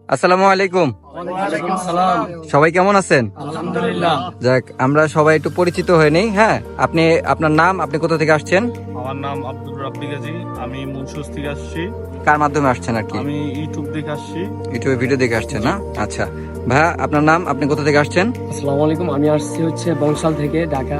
আসসালামু আলাইকুম। ওয়ালাইকুম সালাম। সবাই কেমন আছেন? আলহামদুলিল্লাহ। যাক, আমরা সবাই একটু পরিচিত হয়ে নেই। হ্যাঁ, আপনার নাম, আপনি কোথা থেকে আসছেন? আমার নাম আব্দুল রাব্বি গাজী। আমি মুন্সুস থেকে আসছি। কার মাধ্যমে আসছেন আর কি? আমি ইউটিউব দেখে আসছি। ইউটিউবে ভিডিও দেখে আসছেন না? আচ্ছা ভাইয়া, আপনার নাম, আপনি কোথা থেকে আসছেন? আসসালামু আলাইকুম, আমি আসছি হচ্ছে বংশাল থেকে, ঢাকা।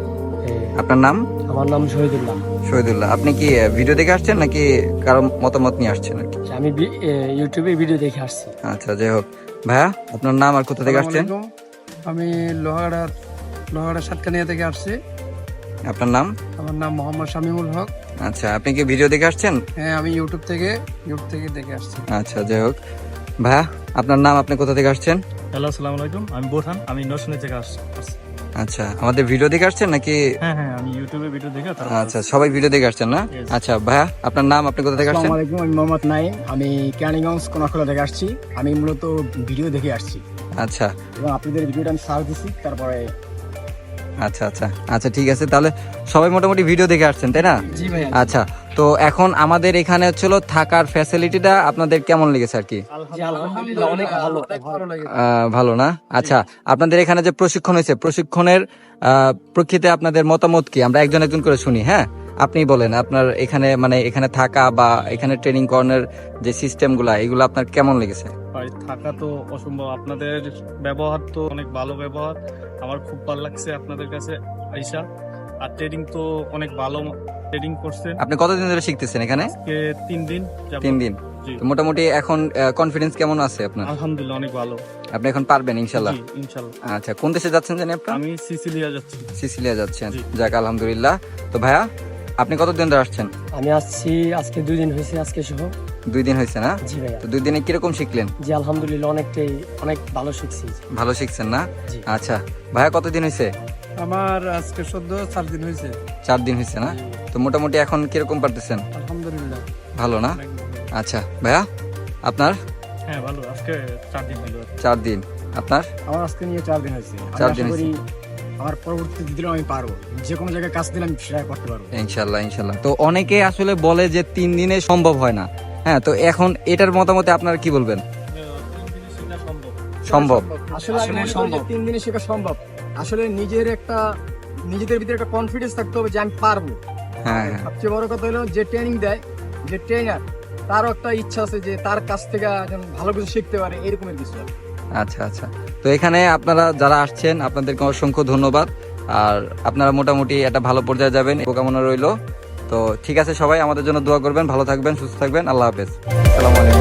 আপনার নাম? আমার নাম শহীদুল্লাহ। শহীদুল্লাহ। আপনি কি ভিডিও দেখে আসছেন নাকি কারো মতামত নিয়ে আসছেন আর কি? আমি ইউটিউবে ভিডিও দেখে আসছি। আচ্ছা, যাই হোক। ভাইয়া, আপনার নাম আর কোথা থেকে আসছেন? আমি লোহাগড়া সাতকানিয়া থেকে আসছি। আপনার নাম? আমার নাম মোহাম্মদ শামিমুল হক। আচ্ছা, আপনি কি ভিডিও দেখে আসছেন? হ্যাঁ, আমি ইউটিউব থেকে দেখে আসছি। আচ্ছা, যাই হোক। ভাইয়া, আপনার নাম, আপনি কোথা থেকে আসছেন? হ্যালো, আসসালামু আলাইকুম। আমি বোরহান। আমি নরসিংদী থেকে আসছি। আচ্ছা, আমাদের ভিডিও দেখে আসছেন নাকি? হ্যাঁ, আমি ইউটিউবে ভিডিও দেখে আচ্ছা, সবাই ভিডিও দেখে আসছেন না? Yes. আচ্ছা ভাইয়া, আপনার নাম, আপনি কোথা থেকে আসছেন? আসসালামু আলাইকুম, আমি মোহাম্মদ নাইম। আমি কেরানীগঞ্জ কোনাখোলা থেকে আসছি। আমি মূলত ভিডিও দেখে আসছি আচ্ছা এবং আপনাদের ভিডিওটা আমি সার্চ দিছি, তারপরে আচ্ছা আচ্ছা আচ্ছা, ঠিক আছে। তাহলে সবাই মোটামুটি ভিডিও দেখে আসছেন, তাই না? জি ভাইয়া। আচ্ছা, তো এখন আমাদের এখানে হচ্ছিল থাকার ফ্যাসিলিটিটা আপনাদের কেমন লেগেছে আর কি? জি, আলহামদুলিল্লাহ, অনেক ভালো। ভালো লাগে। ভালো না? আচ্ছা, আপনাদের এখানে যে প্রশিক্ষণ হয়েছে, প্রশিক্ষণের প্রেক্ষিতে আপনাদের মতামত কি? আমরা একজন একজন করে শুনি। হ্যাঁ, আপনি বলেন আপনার এখানে, মানে এখানে থাকা বা এখানে ট্রেনিং করানোর যে সিস্টেমগুলা, এগুলো আপনার কেমন লেগেছে? ভাই, থাকা তো অসম্ভব। আপনাদের ব্যবহার তো অনেক ভালো ব্যবহার। আমার খুব ভালো লাগছে আপনাদের কাছে আইসা। আর ট্রেনিং তো অনেক ভালো ট্রেনিং করছেন। আপনি কতদিন ধরে শিখতেছেন এখানে? আজকে 3 দিন যাবত। 3 দিন। জি। তো মোটামুটি এখন কনফিডেন্স কেমন আছে আপনার? আলহামদুলিল্লাহ, অনেক ভালো। আপনি এখন পারবেন ইনশাল্লাহ? জি, ইনশাল্লাহ। আচ্ছা, কোন দেশে যাচ্ছেন জানি আপনার? আমি সিসিলিয়া যাচ্ছি। সিসিলিয়া যাচ্ছেন। জি। যাক, আলহামদুলিল্লাহ। তো ভাইয়া, আপনি কতদিন ধরে আসছেন? আমি আসছি আজকে 2 দিন হয়েছে, আজকে সহ। 2 দিন হয়েছে না? জি ভাইয়া। তো 2 দিনে কিরকম শিখলেন? জি, আলহামদুলিল্লাহ, অনেক ভালো শিখছি। ভালো শিখছেন না? জি। আচ্ছা ভাইয়া, কতদিন হয়েছে? আমার আজকে 4 দিন হয়েছে। 4 দিন হয়েছে না? তো মোটামুটি এখন কিরকম পারতেছেন? আলহামদুলিল্লাহ, ভালো না? অনেক ভালো। আচ্ছা ভাইয়া, আপনার? হ্যাঁ, ভালো। আজকে 4 দিন হলো। 4 দিন। আপনার? আমার আজকে নিয়ে 4 দিন হয়েছে। আমি 4 আশা দিন করি আমার পরবর্তী দিলেও আমি পারবো, যে কোনো জায়গায় কাজ দিলে আমি সেটা করতে পারবো। ইনশাল্লাহ ইনশাল্লাহ। তো অনেকে আসলে বলে যে 3 দিনে সম্ভব হয় না। হ্যাঁ, তো এখন এটার মতামতে আপনারা কি বলবেন? 3 দিনে শেখা সম্ভব। সম্ভব? আসলে আমি মনে করি যে 3 দিনে শেখা সম্ভব। আসলে নিজেদের ভিতরে একটা কনফিডেন্স থাকতে হবে যে আমি পারবো। হ্যাঁ আর হ্যাঁ, সবচেয়ে বড় কথা হলো যে ট্রেনিং দেয়, যে ট্রেনার, তারও একটা ইচ্ছা আছে যে তার কাছ থেকে যেন ভালো কিছু শিখতে পারে, এরকমের কিছু। আচ্ছা আচ্ছা। তো এখানে আপনারা যারা আসছেন, আপনাদেরকে অসংখ্য ধন্যবাদ। আর আপনারা মোটামুটি একটা ভালো পর্যায়ে যাবেন, শুভকামনা রইলো। তো ঠিক আছে, সবাই আমাদের জন্য দোয়া করবেন, ভালো থাকবেন, সুস্থ থাকবেন। আল্লাহ হাফেজ। আসসালামু আলাইকুম।